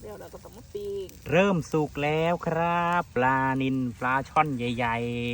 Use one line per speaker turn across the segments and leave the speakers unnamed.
เดี๋ยวเราก็ต้องมาปิ้ง
เริ่มสุกแล้วครับปลานิลปลาช่อนใหญ่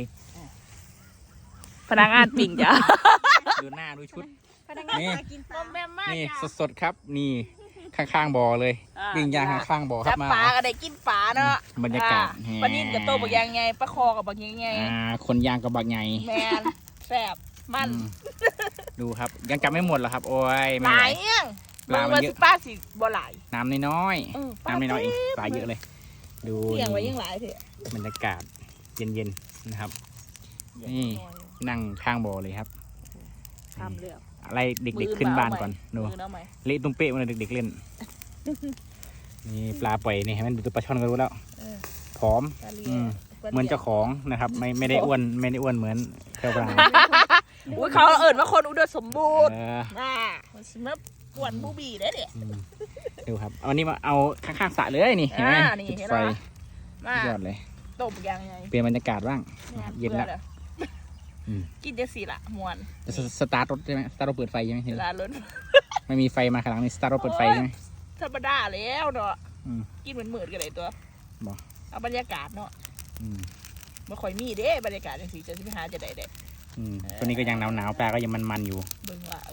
พนักงานปิ้งจ้ะ
ๆ ดูหน้าดูชุด
พนักงาน
นี่
มากินปลาแม่มาก
นี่
จ้ะ
สดๆครับนี่ข้างๆบ่อเลยปิ้งย่างข้างๆบ่อครั
จั
บบ มา
ปลาก็ได้กินปลาเนาะ
บรรยากาศ
ปลานิ่มกับโตบักยังไงปลาคอกับบักยังไง
คนย่างกับบักใหญ่
แมนแซ่บมัน
อืมดูครับยังจำไม่หมดหรอครับโอ้ย
ห
ไม่ไห
ลายว เอี้ยง
ปลามันเยอะ
ป้าสิบ่หลาย
น้ำน้อย
เออ
ๆน้ำน้อยๆเองปลาเยอะเลย ดู
เที่ยงไว้ยังหลายเถอะ
บรรยากาศเย็นๆนะครับ นี่ นั่งข้างบ่อเลยครับ
ทำเรื่อง
อะไรเด็กๆขึ้นบ้านก่อนดู
มือเอาไหม
เละตุ้มเป๊ะมาเลยเด็กๆเล่น นี่ปลาปล่อยนี่เห็นไหมดูตัวปลาช่อนก็รู้แล้ว
เออ
ผอม
ปลาเลี
อื
ย
มเหมือนเจ้าของนะครับ ไม่ได้อ้วนไม่ได้อ้วนเหมือนเจ้าปลา
อุ้ยเขาเอิญว่าคนอุดมสมบูรณ์
เออ
น่ามันสิมาป่วนบูบี้ได้เด็ด
อืมดูครับเอาอันนี้มาเอาข้างๆสระเลยนี่เห็นไหม
นี่
จุด
เห็น
ไฟ
ไหมมาย
อดเลย
ต้มยังไง
เปลี่ยนบรรยากาศบ้าง เย็นแล้ว อืม
กินจะสิละมวน
จะสตาร์ทรถใช่ไหมสตาร์ทรถเปิดไฟใช่ไหม
เวลาล้น
ไม่มีไฟมาข้างหลังนี่สตาร์ทรถเปิดไฟใช่ไหม
ธรรมดาแล้วเนาะ
อืม
กินเหมือนมืดกันเลยตัว
บ่
เอาบรรยากาศเนาะ
อืม
ไม่ค่อยมีเด้บรรยากาศจังสีจะสิไปหาจะได้เด้
อืมตัวนี้ก็ยังหนาวๆปลาก็ยังมันๆอยู่
เบิ่งว่า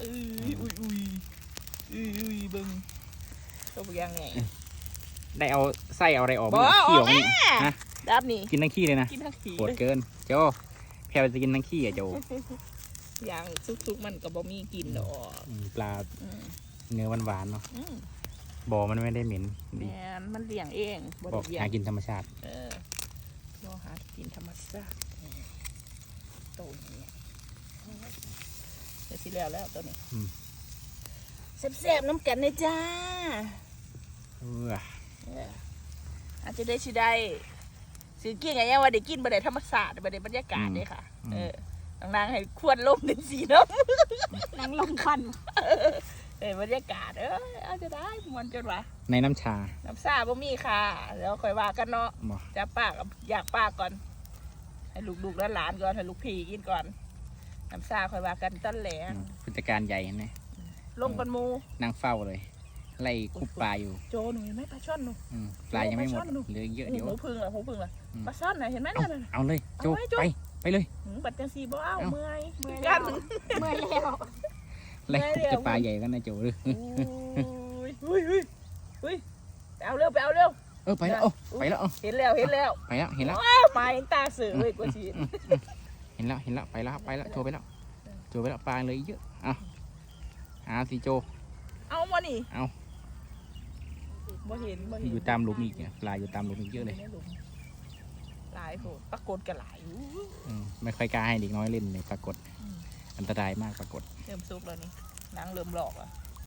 อุ้ยเบิ่งต้มยังไง
ได้เอาไส้เอาอะไรออก
บ่
ขี้ออก
เอา
นี่
แม่
ฮะ
ดับนี่
กินทั้งขี้เลยนะ
กินทั้งขี
โหดเกินโจแพรจะกินทั้งขี้อ่ะโจ
อย่างซุกๆมันก็บ่มีกินดอก
ปลา
อืม
เนื้อหวานๆเนาะ
อืม
บ่อมันไม่ได้เหม็น
แม
ดี
นมันเลี้ยงเองบ่
บอก
ได้เลี้ย
หาง กินธรรมชาติ
บ่หากินธรรมชาติโตอย่างเงี้ยเดี๋ยวสิแล้วตัวนี้แซ่บๆน้ำกันนะจ้า
เออ
อาจจะได้สิได้สิกินไงยังว่าได้กินบ่ได้ธรรมชาติบ่ได้บรรยากาศเด้ค่ะนางให้ควรลมเป็นสีน้ำ
นางลมควัน
บรรยากาศอาจจะได้มันจนว่า
ในน้ำชา
น้ำซาบ่มีค่ะแล้วค่อยว่ากันเนาะ
บอก
จะป้ากับอยากป้าก่อน ให้ลูกๆและหลานก่อนให้ลูกพี่กินก่อนน้ำซาค่อยว่ากันต้นแหลง
ผู้จัดการใหญ่เห็นไหม
ลงกันหมู
นั่งเฝ้าเลยไล่คุบปลาอยู่
โจหนูเห็นไหมปลาช่อนหนู
ปลายังไม่หมด
ปลาช่อนดู
เหลือเยอะเดี๋ยว
หูพึ่งเหรอหูพึ่งเหรอ
อืม
ปลาช่อนน่ะเห็นไหมนั่นน่ะ
เอาเลยโจ
เอาไว้โจ้
ไปเลย
บัดจังสีบ่เอา
เอ้า
เมื่อย
เมื่อย
กั
แล้ว
น
เมื่อยแล้ว
ไล่คุบจะปลาใหญ่กันนะโจเลย
อุ้ยไปเอาเร็วไปเอาเร็ว
ไปแล้วไปแล้ว
เห็นแล้วเห็นแล้ว
ไปแล้วเห็นแล้ว
อ้าวมาเห็นตาเสือเลยกว่าชี
เห็นแล้วไปแล้วโจไปแล้วปลาเลยเยอะเอาสิโจ
เอามานี่
เอา
บ่เห็นบ่เห็น
อยู่ตามหลุมอีกเนี่ยปลาอยู่ตามหลุมอีกเยอะเลย
หลายโหดปรากฏกันหลายอู้
ไม่ค่อยกล้าให้เด็กน้อยเล่นเลยปรากฏ
อืม
อันตรายมากปรากฏ
เริ่มสุกแล้วนี่นางเริ่มหลอกอ่ะ